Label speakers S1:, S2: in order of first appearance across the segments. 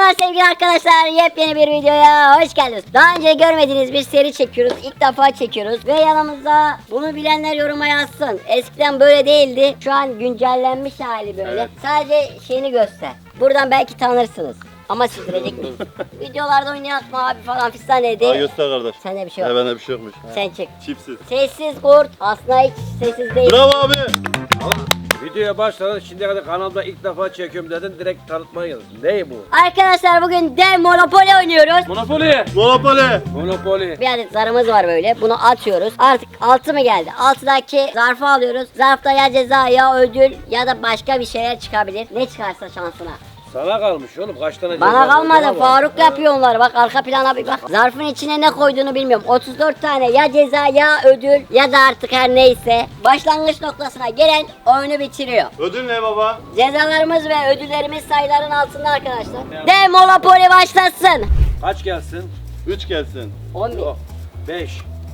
S1: Merhaba sevgili arkadaşlar, yepyeni bir videoya hoş geldiniz. Daha önce görmediğiniz bir seri çekiyoruz, ilk defa çekiyoruz ve yanımızda bunu bilenler yoruma yazsın. Eskiden böyle değildi, şu an güncellenmiş hali böyle. Evet. Sadece şeyini göster. Buradan belki tanırsınız. Ama sildirecek miyiz? Videolarda oynayak mı abi falan fistan dedi.
S2: Aa, göster kardeş.
S1: Sende bir şey yok.
S2: Bende bir şey yokmuş.
S1: Sen çık.
S2: Çipsiz.
S1: Sessiz kurt, aslında hiç sessiz değil.
S2: Bravo abi.
S3: Videoya başladın, şimdiye kadar kanalda ilk defa çekiyorum dedin, direkt tanıtmaya geldin. Ne bu?
S1: Arkadaşlar bugün dev Monopoly oynuyoruz.
S3: Monopoly.
S2: Monopoly.
S3: Monopoly.
S1: Bir adet zarımız var böyle. Bunu atıyoruz. Artık 6 mı geldi? 6'daki zarfı alıyoruz. Zarfta ya ceza ya ödül ya da başka bir şeyler çıkabilir. Ne çıkarsa şansına.
S3: Sana kalmış oğlum, kaç tane
S1: Bana
S3: ceza
S1: kalmadı.
S3: var?
S1: Faruk yapıyor onları. Bak arka plana bir bak. Zarfın içine ne koyduğunu bilmiyorum. 34 tane ya ceza ya ödül ya da artık her neyse. Başlangıç noktasına gelen oyunu bitiriyor.
S2: Ödül ne baba?
S1: Cezalarımız ve ödüllerimiz sayıların altında arkadaşlar. Dev Monopoly başlasın.
S3: Kaç gelsin?
S2: 3 gelsin.
S1: 11.
S3: Yok. 5.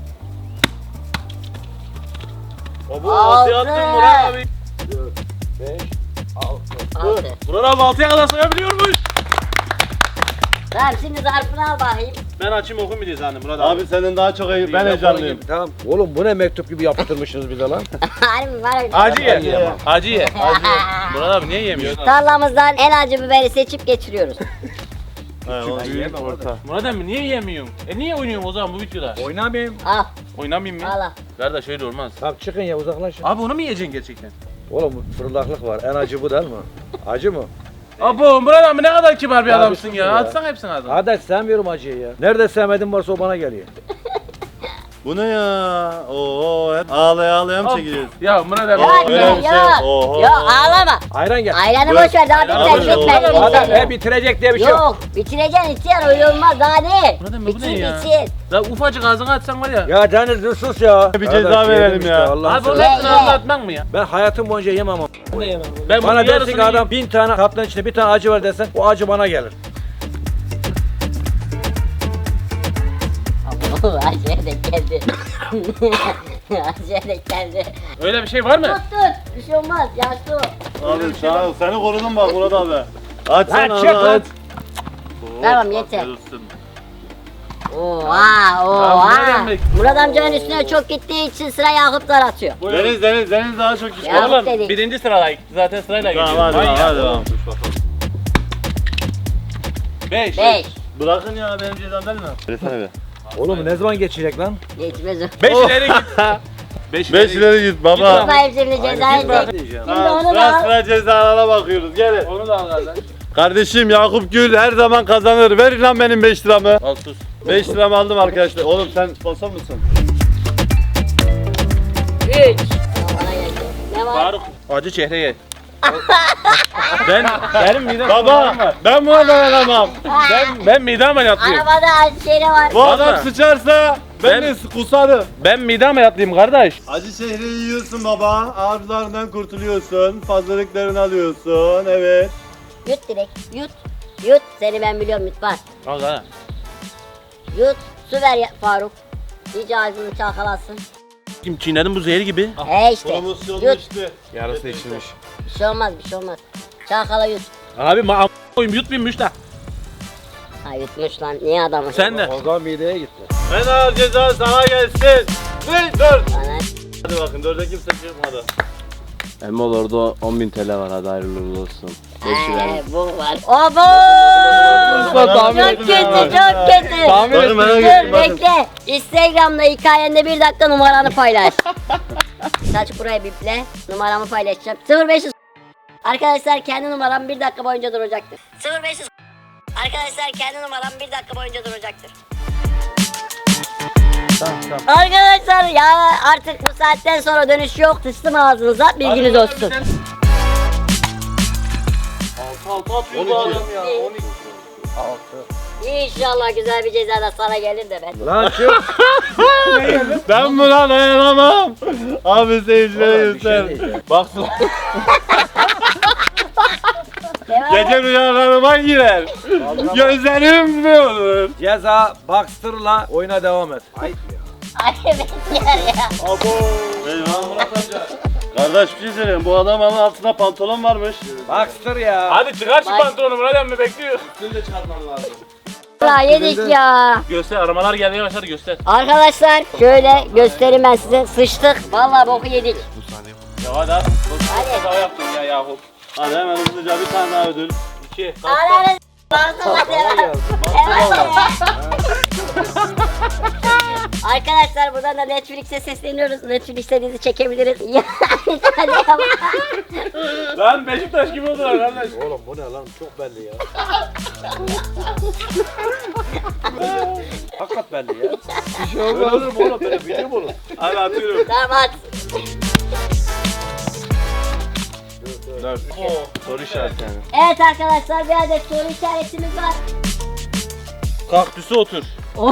S2: Baba
S1: Altı.
S2: 6 attın Murat abi.
S3: 5.
S1: 6.
S2: Murat abi 6'ya kadar sayabiliyormuş.
S1: Tamam şimdi zarfını al bakayım.
S4: Ben açayım okuyayım bir diye zannettim Murat abi.
S2: Abi senin daha çok iyi. Ben heyecanlıyım.
S3: Tamam. Oğlum bu ne mektup gibi yaptırmışsınız bize lan?
S1: Harbi var öyle.
S4: Acı ye.
S2: Acı.
S4: Acı ye. Murat abi niye yemiyorsun?
S1: Tarlamızdan en acı biberi seçip geçiriyoruz.
S2: Büyük orta.
S4: Murat abi niye yemiyorsun? Niye oynuyorsun o zaman bu videoda?
S3: Oynamayayım.
S1: Al,
S4: Oynamayayım mı?
S1: al al.
S4: Kardeş öyle olmaz.
S3: Tamam çıkın ya, uzaklaşın.
S4: Abi onu mu yiyeceksin gerçekten?
S3: Oğlum fırlaklık var. En acı bu değil mi? Acı mı?
S4: Abo Murat abi ne kadar kibar bir
S3: Ya
S4: adamsın
S3: bir
S4: ya.
S3: sus ya.
S4: Atsana hepsini ağzına.
S3: Hadi sevmiyorum acıyı ya. Nerede sevmediğin varsa o bana geliyor.
S2: Bu ne ya? Oo hep ağlaya ağlaya mı
S4: Of.
S2: çekeceğiz?
S4: Ya Murat abi.
S1: Yok
S2: öyle
S1: yok
S2: bir şey. Oho.
S1: yok ağlama.
S3: Ayran gel.
S1: Ayranı
S2: Bırak.
S1: boş ver daha
S2: Ayran
S1: bitmedi
S2: boş ver.
S1: bitmedi.
S3: Hadi
S1: bitmedi.
S3: bitirecek diye bir şey yok.
S1: Yok bitireceksin ihtiyar öyle olmaz daha ne?
S4: Murat abi bu
S1: Bitir
S4: ne ya?
S1: bitir.
S4: La ufacık ağzına atsan var ya.
S3: Ya Deniz dur sus ya.
S2: Bir ceza
S3: Kardeş,
S2: verelim
S3: yedim
S2: ya.
S3: Allah'ını
S4: Abi onun
S3: seversen.
S4: hepsini
S1: Ye, ye.
S4: anlatmak mı ya?
S3: Ben hayatım boyunca yemem ama.
S4: Ben
S3: Bana
S4: bunun
S3: dersin
S4: yarısını
S3: ki adam 1000 tane kapların içinde bir tane acı var desen o acı bana gelir.
S1: Acıya denk geldi. Acıya denk geldi.
S4: Öyle bir şey var mı?
S1: Tut tut bir şey olmaz yaşlı o.
S2: Abi sağ ol. Seni korudum bak Murat abi. Aç sen
S3: Lan çık
S2: onu
S3: lan.
S2: aç.
S1: Tamam, yeter.
S2: Afiyet olsun.
S1: Oha
S4: Tamam,
S1: oha.
S4: ne demek?
S1: Murat amcanın üstüne çok gittiği için sıra Yakup'lar atıyor.
S2: Deniz daha çok iş.
S1: Ya.
S4: Oğlum
S1: dedik.
S4: birinci sıradayız. Zaten sırayla
S2: Tamam
S4: gidiyoruz.
S2: hadi
S4: Manyak.
S2: hadi bakalım.
S4: 5.
S1: 5.
S2: Bırakın ya benim cezam değil mi? Versene be.
S3: Oğlum ne zaman geçecek lan?
S1: Geçmez o.
S4: 5 ileri git. 5
S2: 5 ileri git baba.
S1: Tut bakayım şimdi cezayı
S4: bırak.
S1: çek.
S3: Diyeceğim.
S1: Şimdi onu da
S2: Sıra
S1: al.
S2: sıra cezalara bakıyoruz. Gelin.
S4: Onu da al kardeş.
S2: Kardeşim Yakup Gül her zaman kazanır. Ver lan benim 5 liramı.
S4: Al sus.
S2: 5 liramı aldım arkadaşlar. Oğlum sen sponsor musun?
S1: 3. Bana geldi. Ne var?
S4: Faruk acı çehre ye. Benim midem
S2: Baba ben buna dayanamam.
S4: ben mide ameliyatlıyım.
S1: Arabada acı şey var.
S2: Bu
S4: Vallahi.
S2: adam sıçarsa ben de kusarım.
S4: Ben mide ameliyatlıyım kardeş.
S2: Acı şehri yiyorsun baba. Arzularından kurtuluyorsun. Fazlalıklarını alıyorsun. Evet.
S1: Yut direkt. Yut. Yut. Seni ben biliyorum yut bak.
S4: Al sana.
S1: Yut. Su ver Faruk. İyice ağzını çalkalasın.
S4: Kim çiğnedim bu zehir gibi.
S1: He işte.
S2: Promosyonlu
S1: Yut.
S2: işte.
S4: Yarısı içilmiş.
S1: Bir şey olmaz bir şey olmaz. Çalkala yut.
S4: Abi koyayım yutmayayım da.
S1: Ha yutmuş lan. Niye adamı?
S4: Sen de.
S3: O zaman mideye gitti.
S2: En ağır ceza sana gelsin. 4.
S1: Bana.
S2: Hadi bakın 4'e kimse çıkmadı.
S5: Emol orada 10.000 TL var, hadi hayırlı uğurlu olsun.
S1: Bu var. Abo!
S5: tahmin
S1: Çok kötü çok kötü.
S2: Bakın merak
S1: Dur
S2: ettim bakın.
S1: bekle. Instagram'da hikayende 1 dakika numaranı paylaş. Saç buraya biple. Numaramı paylaşacağım. 0500. Arkadaşlar kendi numaram 1 dakika boyunca duracaktır. 0500. Arkadaşlar kendi numaram 1 dakika boyunca duracaktır. Arkadaşlar ya artık bu saatten sonra dönüş yok. Sıçtım ağzınıza bilginiz olsun.
S4: 6 atıyor bu adam ya. 12.
S1: İnşallah güzel bir ceza da sana gelir de ben.
S3: Lan çık.
S2: Ben buna dayanamam. Abi seyircilere
S3: Oğlum, bir şey
S2: göster.
S3: diyeceğim.
S2: Baksın.
S1: Devam.
S2: Gece rüyalarıma girer. Gözlerim ne olur?
S3: Ceza Baxter'la oyuna devam et. Ayıp ya.
S1: Ay bekler ya.
S2: Abo. Eyvah Murat amca. Kardeş bir şey söyleyeyim. Bu adamın altında pantolon varmış.
S3: Baksır ya.
S4: Hadi çıkar şu
S1: Bak.
S4: pantolonu Murat emmi bekliyor.
S1: La yedik ya.
S4: Göster aramalar gelmeye başladı göster.
S1: Arkadaşlar şöyle göstereyim ben size. Sıçtık. Vallahi boku yedik.
S4: Ya hadi hadi.
S1: Hadi.
S4: Hadi. yaptın ya yahu.
S2: Hadi hemen hızlıca bir tane daha ödül.
S4: 2.
S1: Ananı Arkadaşlar buradan da Netflix'e sesleniyoruz. Netflix'te dizi çekebiliriz. Hadi ama.
S4: Lan Beşiktaş gibi oldular kardeş.
S3: Oğlum bu ne lan? Çok belli ya. Hakikat belli ya. Bir şey olmaz. Böyle olur mu oğlum? Böyle video mu olur?
S2: Hadi atıyorum.
S1: Tamam at.
S5: Soru işareti yani.
S1: Evet arkadaşlar bir adet soru işaretimiz var.
S4: Kaktüse otur.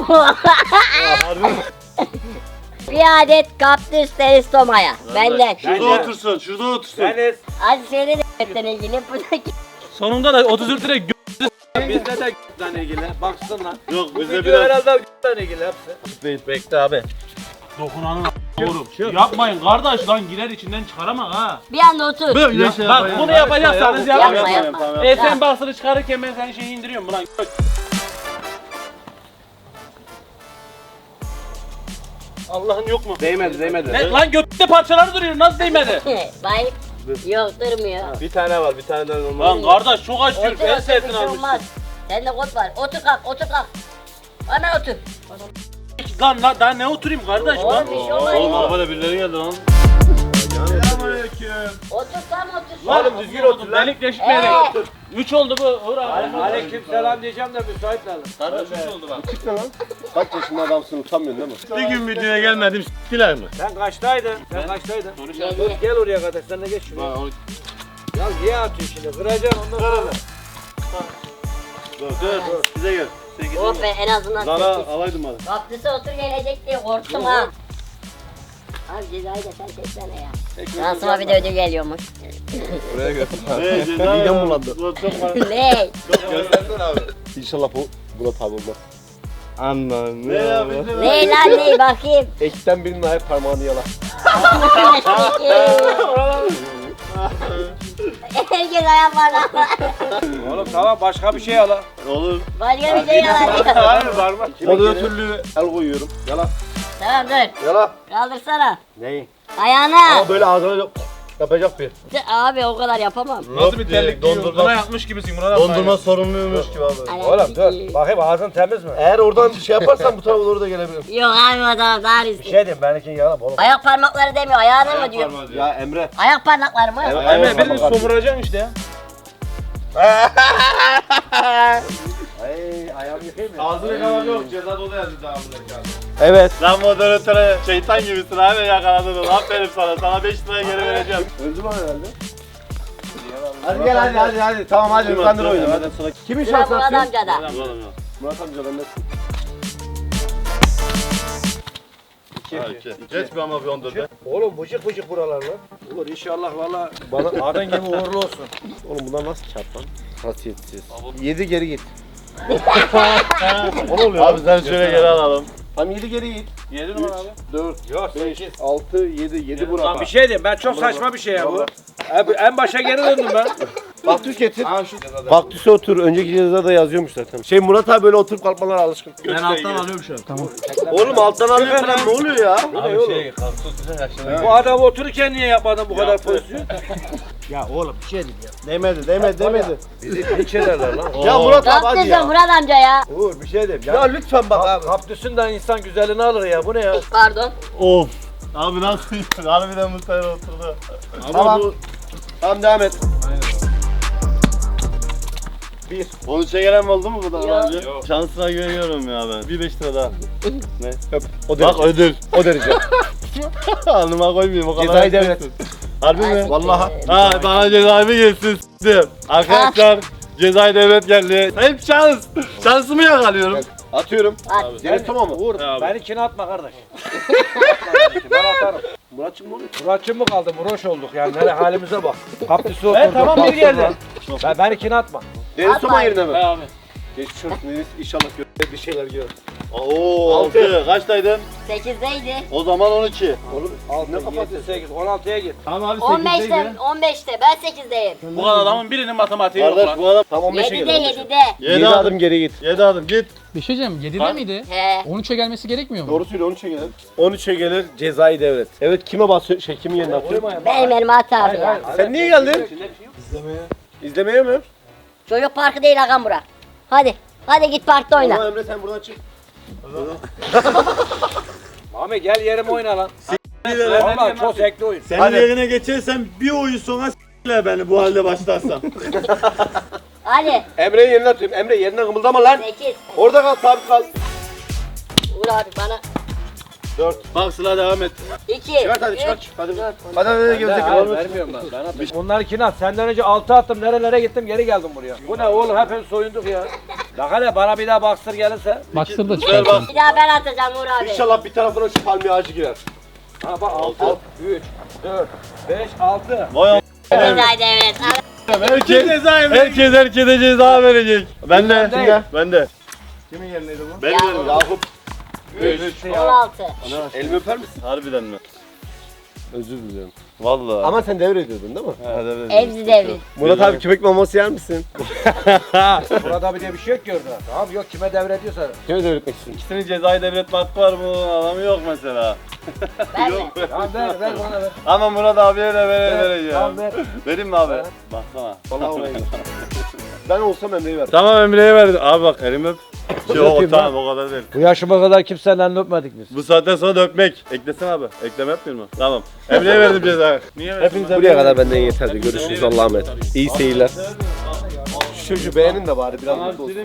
S1: Bir adet kaktüs teristomaya. Benden.
S2: Şurada otursun, şurada otursun.
S3: Deniz.
S1: Hadi söyle de ilgili. Bu da
S4: Sonunda da 34 lira
S3: Bizde de g***den ilgili. Baksın lan.
S2: Yok
S3: Bu
S2: bizde
S3: video
S2: biraz...
S3: herhalde g***den ilgili hepsi.
S4: Bekle abi. Dokunanın oğlum. Yapmayın kardeş lan girer içinden çıkaramam ha.
S1: bir anda otur.
S2: Böyle şey
S4: Bak bunu yapacaksanız
S1: Yapma
S4: yapmayın.
S1: yapma.
S4: Sen basını çıkarırken ben senin şeyi indiriyorum ulan. Allah'ın yok mu?
S3: Değmedi.
S4: Ne, lan götte parçaları duruyor nasıl değmedi?
S1: Bayıp. Yok durmuyor.
S3: Bir tane var, bir tane de normal.
S4: Lan kardeş çok aç
S1: Otur
S4: Türk en
S1: otur bir
S4: sevdiğini
S1: şey
S4: almışsın.
S1: olmaz. Sende kod var. Otur kalk otur kalk. Hemen otur.
S4: Lan daha ne oturayım kardeş lan?
S1: Oğlum bir şey olmaz.
S2: Oğlum arabada birileri geldi lan.
S1: Otursam otur.
S3: Oğlum düzgün otur lan.
S4: Delik deşik bir yere. 3 oldu bu. Hurra.
S3: Aleyküm selam diyeceğim de müsait lazım.
S4: Kardeş 3 oldu bak.
S3: Kaç yaşında adamsın, utanmıyorsun değil mi?
S2: Bir gün videoya gelmedim s**tiler mi?
S3: Sen kaçtaydın? Sen kaçtaydın?
S1: Yedi.
S3: Gel oraya kadar, sen de geç şuraya. Ya niye atıyorsun şimdi? Kıracaksın ondan sonra.
S2: Dur, bize gel.
S1: Oh be en azından
S2: Zara
S1: sessiz.
S2: alaydım hadi.
S1: Kaktüse otur gelecek diye korktum ha. Abi cezayı da sen çeksene ya. Şansıma bir de ödül geliyormuş.
S5: Buraya götür.
S2: Ne ceza ya? Ulan çok var.
S1: Ne?
S5: Göstersene abi. İnşallah bu Murat abi olmaz. Anlam.
S2: Ne ya bize
S1: Ne lan ne bakayım.
S5: Ekten birinin ayak parmağını yala.
S1: Herkes ayak var lan.
S3: Oğlum tamam, başka bir şey al ha.
S2: Olur.
S1: Başka bir şey yalan diyor.
S2: Hayır var mı?
S5: Moderatörlüğü el koyuyorum. Yala.
S1: Tamam dur.
S5: Yala.
S1: Kaldırsana.
S5: Neyi?
S1: Ayağını.
S5: Ama böyle ağzına yapacak bir.
S1: Abi o kadar yapamam.
S4: Nasıl bir terlik giyiyorsun? Bana yapmış gibisin Murat abi.
S2: Dondurma sorumluymuş gibi abi.
S3: Oğlum dur, bakayım ağzın temiz mi?
S5: Eğer oradan şey yaparsan bu tarafa doğru da gelebilirim.
S1: Yok abi o zaman daha riskli.
S3: Şey diyeyim, benimkini yalan oğlum.
S1: Ayak parmakları demiyor, ayağını mı diyor?
S5: Ya Emre.
S1: Ayak parmakları mı?
S4: Emre birini somuracaksın işte ya.
S3: Ay ayağımı yıkayayım ya.
S2: Ağzını kalan yok. Ceza dolu yazdı daha
S5: Evet.
S2: Lan moderatöre şeytan gibisin abi yakaladın onu. Aferin sana. Sana 5 liraya geri vereceğim.
S5: Öldü lan herhalde. Hadi gel hadi. Tamam hadi kandır oyunu.
S2: Hadi sana
S5: Kimin
S1: Sıra
S5: şansı
S1: Murat
S5: atıyorsun?
S1: amcada.
S5: Murat amcadan nesin?
S2: Geç bir ama bir 14'e.
S3: Oğlum bıcık bıcık buralar lan. Olur inşallah valla. Bana adın gibi uğurlu olsun.
S5: Oğlum bunlar nasıl kağıt lan? Hasiyetsiz. 7 geri git.
S2: O ne oluyor? Abi sen şöyle geri alalım.
S5: Tam 7 geri git.
S4: 7 numara abi.
S5: 4,
S3: Yok
S5: 5, 6, 7. 7
S3: Lan
S5: Murat
S3: bir şey diyeyim, ben çok saçma bir şey ya bu. En başa geri döndüm ben.
S5: Baktüs getir. Baktüse otur. Önceki cezada yazıyormuş zaten. Şey Murat abi böyle oturup kalkmalara alışkın.
S4: Ben alttan alıyorum şu an. Tamam.
S5: Oğlum alttan alıyor falan ne oluyor ya?
S3: Abi şey, bu adam otururken niye yapmadın bu kadar pozisyon? Ya oğlum bir şey diyeyim ya.
S5: Değmedi.
S3: Bizi hiç ederler lan.
S5: Ya Murat abi hadi
S1: Kaktüsün
S5: ya.
S1: Murat amca ya.
S3: Uğur bir şey diyeyim
S5: Ya lütfen bak abi.
S3: Kaptüsünden insan güzelini alır ya, bu ne ya?
S1: Pardon.
S2: Of. Abi nasıl? Harbiden Mustafa'ya oturdu.
S5: Tamam. Tamam devam et.
S2: 13'e gelen oldu mu bu da
S1: Yok.
S2: önce? Şansına güveniyorum ya ben. Bir 5 lira daha. Ne?
S5: Öp. O
S2: Bak
S5: derece.
S2: ödül.
S5: O derece.
S2: Alnıma koymayayım o kadar.
S5: Cezayı devlet.
S2: Harbi mi?
S5: Vallahi.
S2: Ha bana cezayı mı gelsin s**tim. Arkadaşlar cezayı devlet geldi. Hep şans. Şansımı yakalıyorum.
S5: Atıyorum.
S1: At.
S5: Geri toma mı?
S3: Uğur
S2: Abi.
S3: benimkini atma kardeş. Ben atarım.
S5: Muratçım mı oluyor?
S3: Muratçım mı kaldı? Muroş olduk yani. Hele halimize bak. Kaptüsü oturduk.
S4: Evet tamam bir geldi.
S3: Benimkini atma.
S5: Deniz toma yerine mi?
S4: He abi.
S5: Geçmiş olsun Deniz. İnşallah bir şeyler gör.
S2: Oo 6. Kaçtaydın?
S1: 8'deydi.
S2: O zaman 12.
S3: Oğlum 6, 7, 8, 16'ya git.
S2: Tamam abi
S1: 15'te, 15'te. Ben 8'deyim.
S4: Bu kadar adamın birinin matematiği yok
S2: Kardeş
S4: lan.
S2: bu adam
S5: Tam 15'e
S1: 7'de,
S5: gel.
S1: 7'de.
S5: 7 adım geri git.
S2: 7 adım git.
S6: Bir şey diyeceğim 7'de
S4: Ha?
S6: miydi?
S1: He.
S6: 13'e gelmesi gerekmiyor mu?
S5: Doğru söyle 13'e gelir. 13'e gelir cezayı devret. Evet kime basıyor? Kimin yerine atıyor?
S1: Benim elime at abi ya.
S5: Sen niye geldin? İzlemeye mi?
S1: Çocuk parkı değil ağam bura. Hadi. Hadi git parkta oyna.
S5: Tamam Emre sen buradan çık.
S3: Mami gel yerime oyna lan. Valla çok zevkli oyun.
S2: Senin
S5: Hadi.
S2: yerine geçersem bir oyun sonra s**ler beni bu halde başlarsam.
S1: Hadi.
S5: Emre'yi yerine atıyorum. Emre yerine kımıldama lan.
S1: 8.
S5: Orada kal sabit kal.
S1: Vur abi bana.
S5: 4.
S2: Bak Sıla devam et.
S1: 2.
S5: Çıkart hadi çıkart. Hadi. Hadi gelecek.
S3: Hayır vermiyorum lan. Ben atayım. Bunlarkini at. Senden önce 6 attım. Nerelere gittim geri geldim buraya. Bu ne oğlum hepimiz soyunduk ya. Bak hele bana bir daha baksır gelirse.
S6: Baksır da
S2: Güzel
S6: çıkartalım.
S2: bak.
S1: Bir daha ben atacağım Uğur abi.
S5: İnşallah bir tarafına şu palmiye ağacı girer.
S3: Ha bak 6, 3, 4, 5, 6.
S2: Vay a**.
S1: Cezaydı evet.
S2: Herkes herkese ceza verecek. Ben de.
S3: Ben de.
S2: Ben de.
S5: Kimin yerineydi bu?
S2: Ben
S1: Yakup.
S2: de.
S5: Yakup.
S1: 16.
S5: Elimi öper misin?
S2: Harbiden mi?
S5: Özür dilerim.
S2: Vallahi.
S5: Ama sen devrediyordun değil mi?
S1: Evzi devri.
S5: Murat abi köpek maması yer misin?
S3: Burada bir de bir şey yok ki orada. Tamam yok kime devrediyorsa.
S5: Kime devretmek istiyorsun?
S2: İkisinin cezayı devretme hakkı var mı? Adamı yok mesela.
S1: Ben mi?
S3: Tamam ver bana ver.
S2: Ama Murat abiye de vereceğim.
S3: Tamam ver.
S2: Vereyim mi abi? Baksana.
S5: Vallahi oraya git. Ben olsam Emre'yi ver.
S2: Tamam Emre'ye verdim. Abi bak elimi öp. Yok
S3: Öpeyim
S2: tamam o kadar değil.
S3: Bu yaşıma kadar kimsenin elini öpmedik biz.
S2: Bu saatten sonra da öpmek. Eklesin abi. Ekleme yapmıyor mu? Tamam. Emre'ye verdim cezayı. Niye verdin?
S5: Hepinize buraya kadar benden yeterli. Görüşürüz Allah'a emanet. İyi seyirler. Şu çocuğu beğenin de bari biraz mutlu olsun.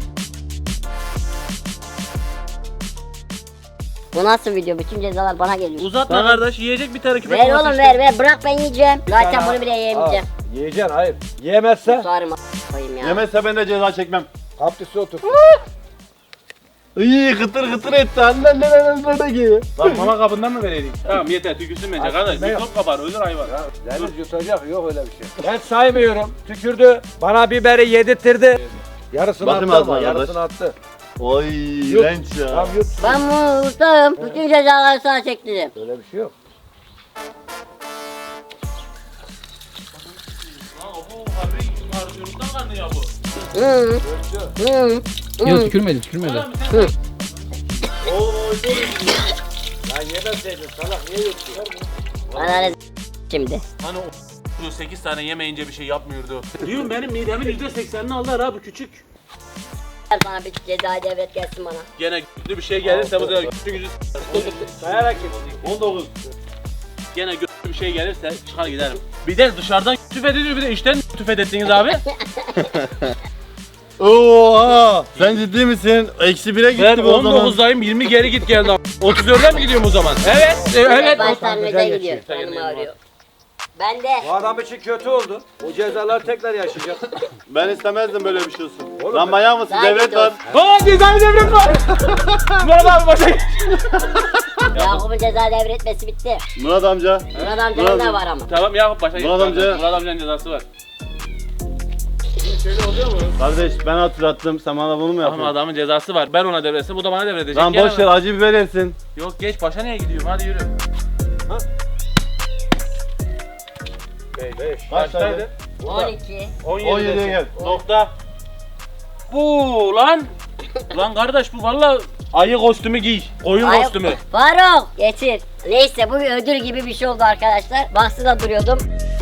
S1: Bu nasıl video? Bütün cezalar bana geliyor.
S4: Uzatma kardeş yiyecek bir tane köpek
S1: Ver
S4: maması
S1: oğlum
S4: işte.
S1: ver. Bırak ben yiyeceğim. Zaten bunu bile yiyemeyeceğim.
S3: Yiyeceksin hayır. Yiyemezse
S1: Sarma koyayım ya.
S2: Yemezse ben de ceza çekmem.
S3: kaptüsü otur.
S2: İyi kıtır kıtır etti. Annen nerede ki?
S4: Bak mama kabından mı vereydik? Tamam yeter tükürsün bence kardeş.
S3: ne yok?
S4: Mikrop kapar ölür hayvan.
S3: Deniz yutacak yok öyle bir şey. Ben saymıyorum. Tükürdü. Bana biberi yedirttirdi. Yarısını
S2: Bakayım
S3: attı
S2: ağzına
S3: ama
S2: kardeş.
S3: yarısını attı.
S2: Oy
S3: Yut.
S2: iğrenç ya.
S3: Tamam yut.
S1: Ben mutluyum. Bütün cezaları sana çektim.
S3: Öyle bir şey yok.
S4: Lan bu harbi karşılıktan karnı ya bu.
S1: Hı. Hı.
S6: Yok tükürmedi.
S4: Oğlum sen
S3: Lan yemeseydin salak niye yuttun?
S1: Bana ne şimdi?
S4: hani o 8 tane yemeyince bir şey yapmıyordu. Diyorum benim midemin %80'ini aldılar abi küçük.
S1: Ver bana bir cezayı devret gelsin bana.
S4: Gene güçlü bir şey gelirse bu da güçlü gücü
S3: Dayarak git.
S2: 19.
S4: gene güçlü bir şey gelirse çıkar giderim. Bir de dışarıdan tüfediliyor bir de içten tüfedettiniz abi.
S2: Oha! Sen ciddi misin? Eksi 1'e gitti
S4: Ben
S2: bu o zaman.
S4: 19'dayım 20 geri git geldi abi. 34'e mi gidiyorum o zaman? Evet. Evet.
S1: Başlar neden
S3: güzel
S1: gidiyor?
S3: geçiyor.
S1: Canım ağrıyor. Ben de.
S3: Bu adam için kötü oldu. O cezalar tekrar yaşayacak.
S2: Ben istemezdim böyle bir şey olsun.
S3: Oğlum
S2: Lan
S3: ben-
S2: manyak mısın?
S1: Daha
S2: Devlet
S1: kötü
S2: var.
S4: Aa cezayı devret var. Murat abi başa geç.
S1: Yakup'un ceza devretmesi bitti.
S2: Murat amca.
S1: Murat amcanın da var ama.
S4: Tamam Yakup başa geç.
S2: Murat amca.
S4: Murat amcanın cezası var.
S2: Kardeş ben hatırlattım. Sen bana bunu mu
S4: Ama
S2: yapıyorsun?
S4: adamın cezası var. Ben ona devretse bu da bana devredecek.
S2: Lan
S4: Gel
S2: boş ver
S4: ama.
S2: acı biber yersin.
S4: Yok geç başa niye gidiyorum hadi yürü. Kaçtaydı?
S1: 12.
S2: 17'ye gel.
S4: Nokta. Bu lan. Lan kardeş bu valla ayı kostümü giy. Koyun
S1: Ay-
S4: kostümü.
S1: Faruk getir. Neyse bu bir ödül gibi bir şey oldu arkadaşlar. Baksıda duruyordum.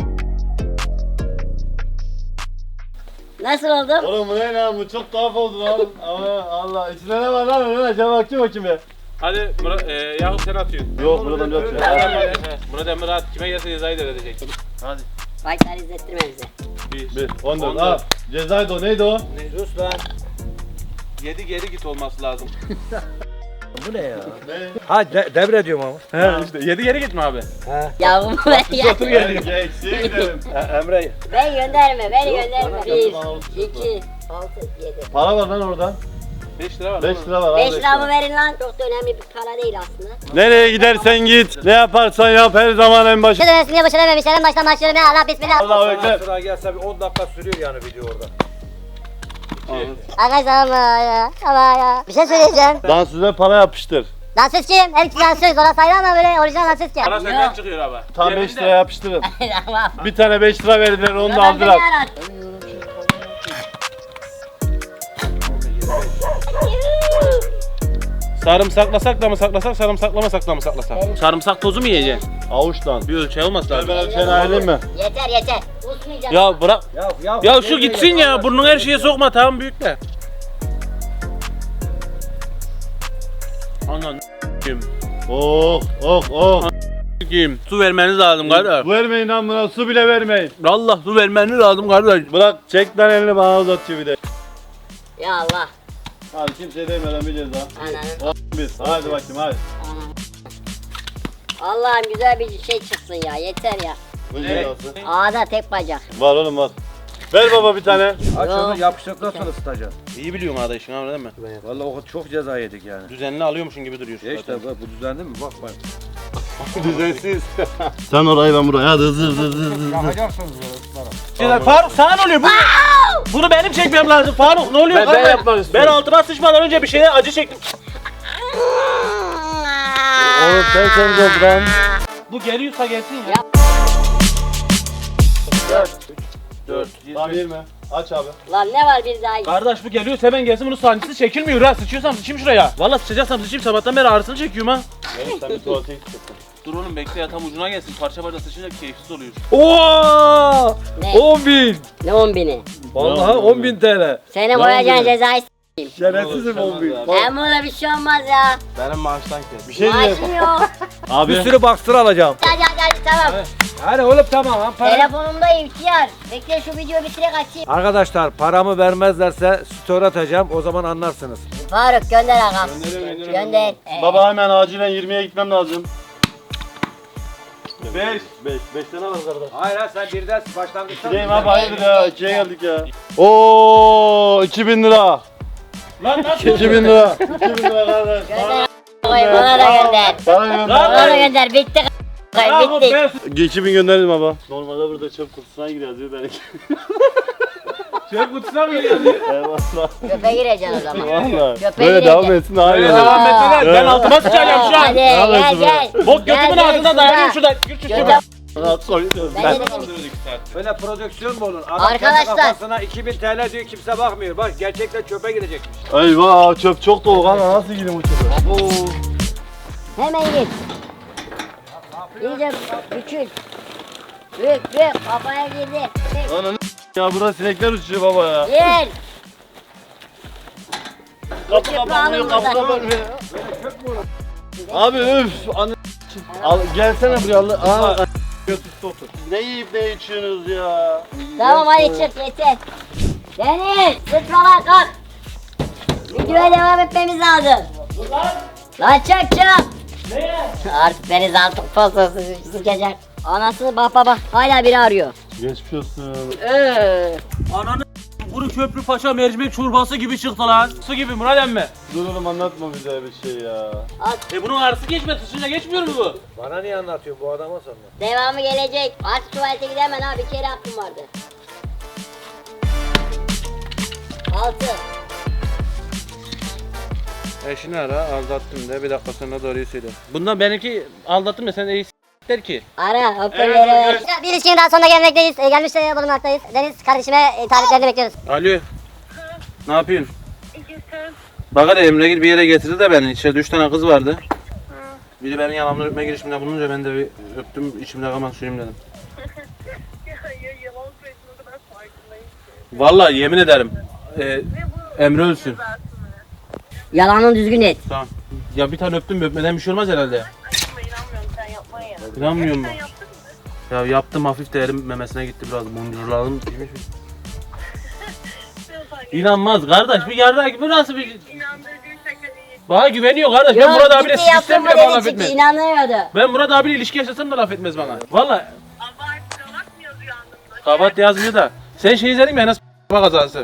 S1: Nasıl oldum?
S2: Oğlum bu ne lan? Bu çok tuhaf oldu lan. Ama Allah. İçinde ne var lan? Öyle acaba bakayım be.
S4: Hadi Murat, Yakup sen atıyorsun.
S2: Yok Murat amca atıyor.
S4: Murat Emre at. Kime gelse cezayı devredecek. Hadi.
S1: Başlar izlettirme bize.
S2: 1, 14. Aa, cezaydı o. Neydi o?
S3: Sus lan.
S4: 7 geri git olması lazım.
S3: Bu ne ya?
S2: Ne?
S3: Ha devrediyorum ama.
S4: He işte 7 geri gitme abi.
S1: Yavrum ben ya.
S2: Eksiye gidelim.
S3: Emre.
S1: Ben gönderme, beni gönderme.
S2: bana
S1: 1,
S2: bana olsun.
S1: 2, 6, 7.
S2: Para var lan orada.
S4: 5 lira var.
S2: 5 lira var.
S1: 5
S2: al
S1: liramı verin lan. Çok da önemli bir para değil aslında.
S2: Nereye gidersen git. Ne yaparsan yap her zaman en başı.
S1: Dönemesinde başına vermişler. En baştan başlıyorum. Ya Allah bismillah.
S2: Allah bekle.
S3: Sıra gelse bir 10 dakika sürüyor yani video orada.
S1: Arkadaşlar ama ya. Bir şey söyleyeceğim.
S2: Dansöze para yapıştır.
S1: Dansöz kim? Her iki dansöz. Ona sayılır ama böyle orijinal dansöz kim?
S4: Para senden çıkıyor abi.
S2: Tam 5 lira yapıştırın.
S1: Tamam.
S2: Bir tane 5 lira verdiler onu da
S1: Ben seni
S2: aldılar.
S1: aradım.
S4: Sarımsaklasak da mı saklasak, sarımsaklamasak da mı saklasak? Sarımsak tozu mu yiyeceksin?
S2: Avuçtan.
S4: Bir ölçü olmaz lazım.
S2: Ben seni ayarlayayım mı?
S1: Yeter. Usmayacağım.
S4: Ya bırak. Ya şu
S3: ne
S4: gitsin
S3: diyecek
S4: ya.
S3: Allah
S4: Burnunu her şeye sokma, tamam büyük de. Anan kim?
S2: Oh.
S4: Kim? Su vermeniz lazım kardeş.
S2: Vermeyin lan buna su bile vermeyin.
S4: Allah su vermeniz lazım kardeş.
S2: Bırak çek lan elini bana uzatıyor bir de.
S1: Ya Allah.
S2: Hadi kimseye demeden bir ceza.
S1: Ananı.
S2: Biz. Hadi bakayım hadi.
S1: Allah'ım güzel bir şey çıksın ya. Yeter ya.
S2: Bu cezası.
S1: Ağda tek bacak.
S2: Var oğlum var. Ver baba bir tane.
S3: Aç
S1: Yok.
S3: onu yapıştıktan sonra ısıtacaksın.
S4: İyi biliyorum arada işin abi değil mi?
S3: Vallahi o çok ceza yedik yani.
S4: Düzenli alıyormuşsun gibi duruyorsun.
S3: Ya işte bak, bu düzenli mi? Bak bak.
S2: Düzensiz. Sen orayı ben buraya. Hadi hızlı.
S3: Yakacaksınız böyle ısıtarak.
S4: Şeyler, Faruk sana ne oluyor? Bunu benim çekmem lazım. Faruk ne oluyor?
S2: Ben yapmak istiyorum.
S4: Ben altıma sıçmadan önce bir şeye acı çektim.
S2: Oğlum sen lan.
S4: Bu geliyorsa gelsin ya. 4.
S2: Tamam verme. Aç abi.
S1: Lan ne var bir daha?
S4: Kardeş bu geliyorsa hemen gelsin, bunun sancısı çekilmiyor ha. Sıçıyorsam sıçayım şuraya. Vallahi sıçacaksam sıçayım, sabahtan beri ağrısını çekiyorum ha.
S2: Ver sen bir tuvalete git.
S4: Dur oğlum bekle ya, tam ucuna gelsin. Parça parça sıçınca keyifsiz oluyor.
S3: Oo!
S1: Ne?
S3: 10.000.
S1: Ne 10.000'i?
S3: Vallahi 10.000 TL.
S1: Seni boyayacağın cezayı
S3: Şerefsizim 10.000.
S1: Hem buna bir şey olmaz ya.
S2: Benim maaştan kes. Bir şey diyeyim.
S1: Maaşım yok.
S2: Abi.
S3: Bir sürü baksır alacağım.
S1: Hadi tamam.
S3: Hadi oğlum tamam lan para.
S1: Telefonumda ihtiyar. Bekle şu videoyu bitirek açayım.
S3: Arkadaşlar paramı vermezlerse story atacağım, o zaman anlarsınız.
S1: Faruk gönder ağam. Gönder.
S2: Baba hemen acilen 20'ye gitmem lazım. 5 tane var kardeş.
S3: Hayır ha sen birden başlangıçtan.
S2: Gideyim abi hayırdır ya 2'ye geldik ya. Oo 2000 lira.
S4: Lan nasıl?
S2: 2000 lira. 2000 lira kardeş.
S1: Gönder. Bana da gönder.
S2: Bana
S1: Bana da
S2: gönder.
S1: gönder. Bitti.
S4: Bravo,
S1: Bitti.
S4: ben
S2: 2000 gönderdim baba. Normalde burada çöp kutusuna giriyoruz diyor benimki.
S4: çöp kutusuna mı giriyorsun?
S2: Eyvallah.
S1: Köpe gireceksin o zaman.
S2: Valla.
S1: Köpeğe
S2: Böyle
S1: gireceksin.
S2: devam etsin daha iyi
S4: Öyle
S2: olur.
S4: devam ettiler. Ben altıma sıçacağım şu an.
S1: Hadi gel.
S4: Bok götümün
S1: Gel,
S4: ağzına
S1: şurada.
S4: dayanıyorum şurada. Gir şu
S1: Gönder.
S2: Rahat koyuyoruz.
S1: Ben de dedim.
S3: Böyle prodüksiyon mu olur? Adam
S1: Arkadaşlar.
S3: kendi kafasına 2000 TL diyor, kimse bakmıyor. Bak gerçekten çöpe gidecekmiş.
S2: Eyvah çöp çok dolu kanka nasıl gideyim o çöpe?
S1: Hemen git. İyice küçül. Büyük kafaya girdi.
S2: Ananı ya burada sinekler uçuyor baba ya.
S1: Gel.
S2: Kapı
S1: Çöpü alın
S2: kapanmıyor kapı
S1: buradan.
S2: kapanmıyor. Abi üf anne. Al gelsene buraya Allah. Aa. Götüste otur. Ne yiyip ne içiyorsunuz ya?
S1: Tamam hadi çık yeter. Deniz sıçma lan kalk. Videoya devam etmemiz lazım. Lan çık. Artık Deniz artık fazla sıkacak. Anası bak hala biri arıyor.
S2: Geçmiş olsun.
S4: Ananı kuru köprü paşa mercimek çorbası gibi çıktı lan. Su gibi Murat emmi.
S2: Dur oğlum anlatma bize bir şey ya.
S4: Bunun ağrısı geçmez, sıçınca geçmiyor mu bu?
S3: Bana niye anlatıyor bu adama sonra?
S1: Devamı gelecek. Artık tuvalete gidemem ha, bir kere hakkım vardı. 6.
S4: Eşini ara, aldattım de, bir dakika sonra doğruyu söyle. Bundan benimki aldattım da sen iyi der ki.
S1: Ara hoparlörü ver. Bir ilişkinin daha sonuna gelmekteyiz. Gelmiş bulunmaktayız. Deniz kardeşime tariflerini bekliyoruz.
S4: Alo. Ne yapıyorsun? Bak hadi Emre bir yere getirdi de beni. İçeride 3 tane kız vardı. Biri benim yanımda öpme girişiminde bulununca ben de bir öptüm, içimde kalan suyum dedim.
S7: Hayır yalan söyledin o kadar farkındayım.
S4: Vallahi yemin ederim. Emre ölsün.
S1: Yalanını düzgün et.
S4: Tamam. Ya bir tane öptüm, öpmeden bir şey olmaz herhalde.
S7: Ama inanmıyorum sen yapmaya ya.
S4: İnanmıyor musun?
S7: Sen yaptın mı?
S4: Ya yaptım, hafif de elim memesine gitti biraz. Boncuklarım girmiş mi?
S7: Biraz fark
S4: İnanmaz kardeş, bir yarrak gibi nasıl bir...
S7: İnandırıcı şaka değil.
S4: Bana güveniyor kardeş. Ben Murat abiyle
S1: ciddi yaptın
S4: sistem
S1: mı
S4: bile bana
S1: dedi
S4: laf
S1: çünkü
S4: etmez.
S1: inanıyordu.
S4: Ben Murat abiyle ilişki yaşasam da laf etmez bana. Vallahi
S7: Abart kalakmıyoruz rüyandığında.
S4: kabat yazmıyor da. Sen şey izledin mi Enes kazası?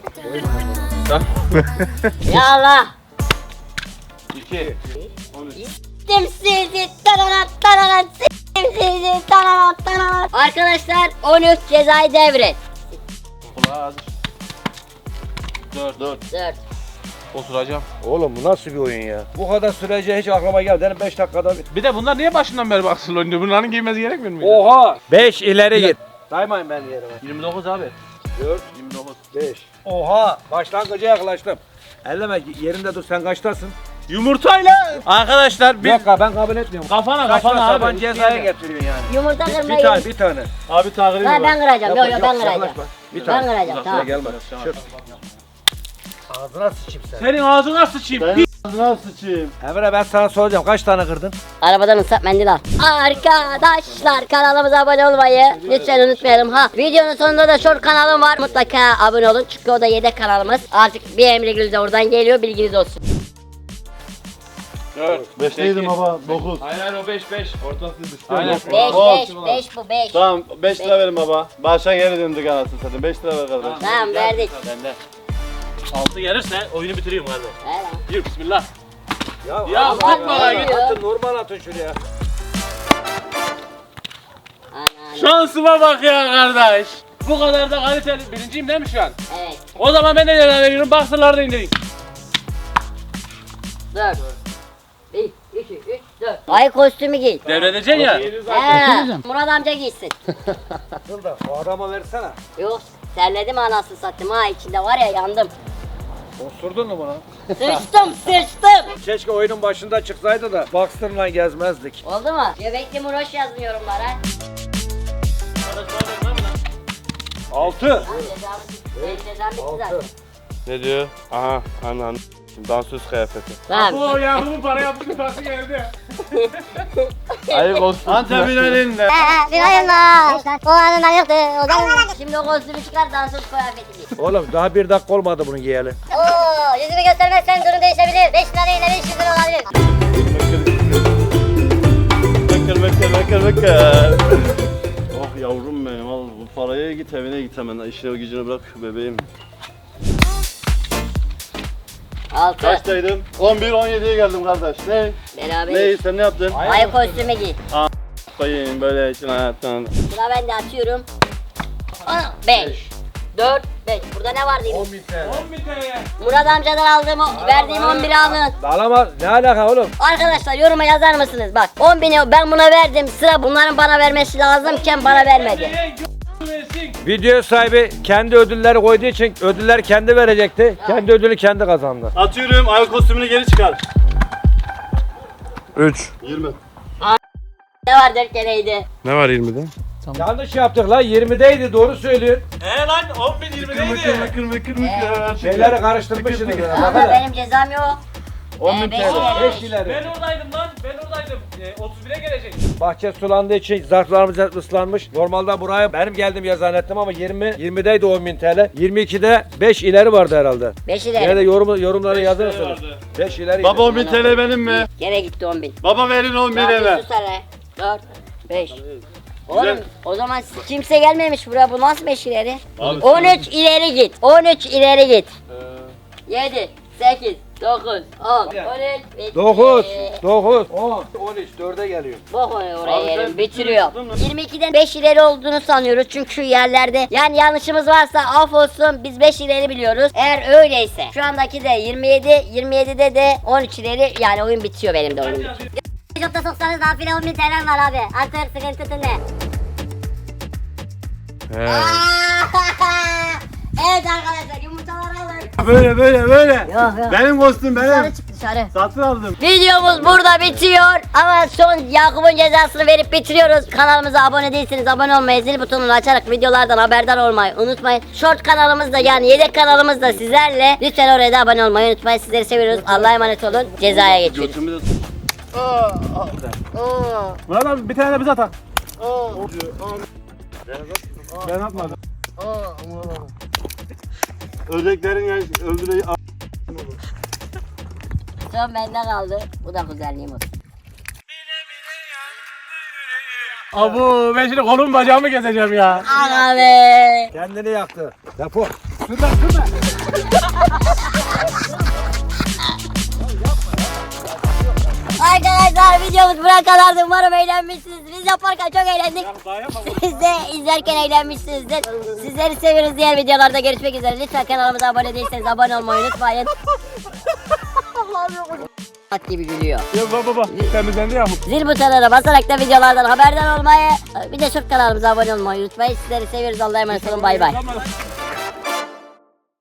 S1: Ya Allah.
S4: 2.
S1: Siktim sizi taranat siktim sizi taranat. Arkadaşlar 13 cezayı devret.
S4: Kulağı az.
S2: 4.
S1: 4.
S4: Oturacağım.
S3: Oğlum bu nasıl bir oyun ya? Bu kadar sürece hiç aklıma geldi. Dedim 5 dakikada bir.
S4: Bir de bunlar niye başından beri baksın oynuyor? Bunların giymesi gerekmiyor mu?
S3: Oha! 5 ileri git. Saymayın ben yerime.
S4: 29 abi.
S3: 4, 29, 5. Oha! Başlangıca yaklaştım. Elleme yerinde dur, sen kaçtasın?
S4: Yumurtayla. Arkadaşlar
S3: Bir dakika, ben kabul etmiyorum.
S4: kafana
S3: Kaçma
S4: kafana
S3: saban
S4: abi.
S3: cezaya getiriyorsun yani.
S1: Yumurta
S3: Bir
S1: kırmayı.
S3: tane, bir tane.
S2: Abi takip
S1: Ha, ben kıracağım. Yok ben kıracağım.
S3: yaklaşma. Bir
S1: Ben
S3: tane.
S1: kıracağım tamam.
S3: Gelme. Şur. Ağzına sıçayım sen.
S4: Senin ağzına sıçayım.
S2: Ben ağzına sıçayım.
S3: Emre ben sana soracağım, kaç tane kırdın?
S1: Arabadan ıslak mendil al. Arkadaşlar kanalımıza abone olmayı lütfen unutmayalım ha. Videonun sonunda da short kanalım var. Mutlaka abone olun çünkü o da yedek kanalımız. Artık bir Emre Gül de oradan geliyor, bilginiz olsun.
S4: 4.
S2: 5'teydim baba. 9.
S4: Hayır o 5 5. Ortası düştü.
S1: 5 bu 5.
S2: Tamam 5 lira verin baba. Başa geri döndük anasını satayım. 5 lira ver kardeş.
S1: Tamam verdik.
S4: Bende. 6 gelirse oyunu bitiriyorum kardeş.
S1: Ver lan.
S4: Yürü bismillah.
S3: Ya
S1: Allah ne diyor?
S3: atın, normal atın şuraya.
S1: Ana,
S4: Şansıma bak ya kardeş. Bu kadar da kaliteli. Birinciyim değil mi şu an?
S1: evet.
S4: O zaman ben de ceza veriyorum. Baksırları da indireyim.
S1: 4. 1, 2, 3, 4. Ay kostümü giy.
S4: Devredeceksin ya.
S1: He, Murat amca giysin.
S3: Dur da o adama versene.
S1: Yok, terledim anasını satayım ha, içinde var ya yandım.
S3: Osurdun mu buna?
S1: Sıçtım.
S3: Keşke oyunun başında çıksaydı da Boxer'la gezmezdik.
S1: Oldu mu? Göbekli Muroş yazın yorumlara.
S3: 6.
S1: Lan cezam bitti zaten.
S2: Ne diyor? Aha anan. Dansöz kıyafeti.
S1: Tamam.
S4: O yahumu para yaptı parası geldi.
S2: Ayıp olsun. Antep'in elinde.
S1: O anından yoktu. Şimdi o kostümü çıkar, dansöz kıyafeti giy.
S3: Oğlum daha 1 dakika olmadı bunu giyeli.
S1: Oo, yüzümü göstermezsen durum değişebilir. 5 lira değil de 500 lira olabilir.
S2: Bekir. Oh yavrum benim al bu paraya git evine git hemen. İşine gücünü bırak bebeğim.
S1: 6.
S2: Kaçtaydım? 11-17'ye geldim kardeş. Ne?
S1: Beraber.
S2: Ne? Sen ne yaptın?
S1: Ay kostümü giy.
S2: Koyayım böyle için hayattan.
S1: Sıra ben de atıyorum. 5. 4, 5. Burada ne var diyeyim?
S3: 10.000 TL.
S4: 10 bin TL.
S1: Murat amcadan aldığım, verdiğim 11'i alın.
S3: Alamaz. Ne alaka oğlum?
S1: Arkadaşlar yoruma yazar mısınız? Bak 10.000'i ben buna verdim. Sıra bunların bana vermesi lazımken bana vermedi.
S3: Video sahibi kendi ödülleri koyduğu için ödüller kendi verecekti. Kendi ödülü kendi kazandı.
S2: Atıyorum ayak kostümünü geri çıkar.
S3: 3.
S2: 20.
S1: Ne var 4 kereydi.
S2: Ne var 20'de?
S3: Yanlış yaptık lan, 20'deydi, doğru söylüyorsun.
S4: Lan 10 bin 20'deydi.
S2: Kırmızı.
S3: Şeyleri karıştırmışsınız.
S1: Ama benim cezam yok.
S2: 10.000 TL.
S3: 5 ileri.
S4: Ben oradaydım lan. Ben oradaydım. 31'e gelecek.
S3: Bahçe sulandığı için zarflarımız ıslanmış. Normalde buraya benim geldim ya zannettim ama 20'deydi 10.000 TL. 22'de 5 ileri vardı herhalde.
S1: 5
S3: Yine de
S1: ileri.
S3: yorumları yazırsınız. 5 ileri.
S2: Baba 10.000 TL benim mi?
S1: Gene gitti 10.000.
S2: Baba verin 10.000 eve.
S1: Sus hele. 4, 5. Oğlum o zaman kimse gelmemiş buraya, bu nasıl 5 ileri?
S2: Abi,
S1: 13 ileri git. 13 ileri git. 7, 8, 9, 10, 13,
S3: 9, 9, 10, 13, 4'e geliyor.
S1: Bok oraya
S2: Abi
S1: yerim,
S2: sen
S1: bitiriyor.
S2: yaptın mı?
S1: 22'den 5 ileri olduğunu sanıyoruz çünkü yerlerde. Yani yanlışımız varsa af olsun, biz 5 ileri biliyoruz. Eğer öyleyse şu andaki de 27, 27'de de 13 ileri, yani oyun bitiyor, benim de oyun bitiyor. Çok da soksanız nafile 10.000 TL var abi. Artık sıkıntısı ne? Evet arkadaşlar, yumurtaları alın.
S2: Böyle.
S1: Yok yok.
S2: Benim kostüm
S1: Dışarı
S2: benim.
S1: çık dışarı.
S2: Satın aldım.
S1: Videomuz burada bitiyor ama son Yakup'un cezasını verip bitiriyoruz. Kanalımıza abone değilseniz abone olmayı, zil butonunu açarak videolardan haberdar olmayı unutmayın. Short kanalımızda, yani yedek kanalımızda sizlerle. Lütfen oraya da abone olmayı unutmayın. Sizleri seviyoruz. Allah'a emanet olun. Cezaya geçiyoruz.
S2: Götümü de...
S4: Murat abi bir tane de bize atak.
S2: Ben atmadım. Ördeklerin öldüreyi...
S1: Son bende kaldı. Bu da güzelliğim olsun.
S4: Abu ben şimdi kolum bacağımı keseceğim ya.
S1: Ana be.
S3: Kendini yaktı. Defol.
S1: Arkadaşlar videomuz buraya kadardı. Umarım eğlenmişsinizdir. Bizi yaparken çok eğlendik. Siz de izlerken eğlenmişsinizdir. Sizleri seviyoruz, diğer videolarda görüşmek üzere. Lütfen kanalımıza abone değilseniz abone olmayı unutmayın. Bak gibi gülüyor.
S3: Yok baba temizlendi ya.
S1: Zil butonuna basarak da videolardan haberdar olmayı, bir de şu kanalımıza abone olmayı unutmayın. Sizleri seviyoruz. Allah'a emanet olun. Bay bay.